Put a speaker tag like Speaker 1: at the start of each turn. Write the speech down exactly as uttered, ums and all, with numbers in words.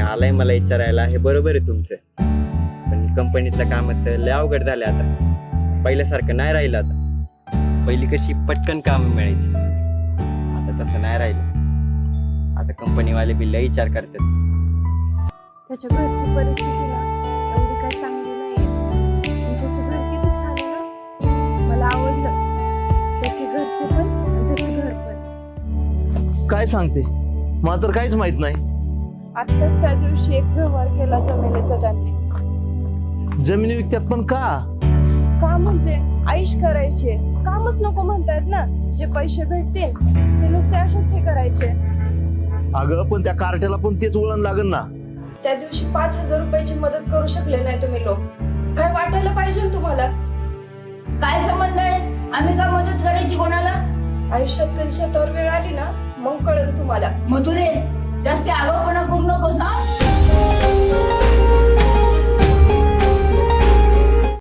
Speaker 1: आलाय मला विचारायला हे बरोबर आहे तुमचं, पण कंपनीतलं काम तर लय अवघड झालं आता. पहिल्यासारखं नाही राहिलं आता. पहिली कशी पटकन काम मिळायची, आता तसं नाही राहिलं. आता कंपनीवाले बी लय विचार करतात.
Speaker 2: त्याच्या घरची परिस्थिती ना एवढी काही चांगली नाहीये, पण त्याचं घर किती छान आहे ना, मला आवडलं. त्याचे घरचे पण आणि त्याचं घर पण.
Speaker 3: काय सांगते, मला तर काहीच माहित नाही.
Speaker 2: आत्ताच त्या दिवशी एक व्यवहार केला जमिनीचा त्यांनी.
Speaker 3: जमिनी विकत्यात पण का?
Speaker 2: का म्हणजे आईश करायचे, कामच नको म्हणतायत ना. जे पैसे भेटतील ते नुसते असेच हे करायचे.
Speaker 3: अगं पण त्या कार्ट्याला पण तेच वळण लागल ना.
Speaker 2: त्या दिवशी पाच हजार रुपयाची मदत करू शकले नाही तुम्ही लोक, काय वाटायला पाहिजे ना तुम्हाला.
Speaker 4: काय संबंध आहे, आम्ही का मदत करायची कोणाला?
Speaker 2: आयुष्यात कधी स्वतःवर वेळ आली ना मग कळेल तुम्हाला.
Speaker 4: मधुरे, जास्त आगाऊपणा करू नको.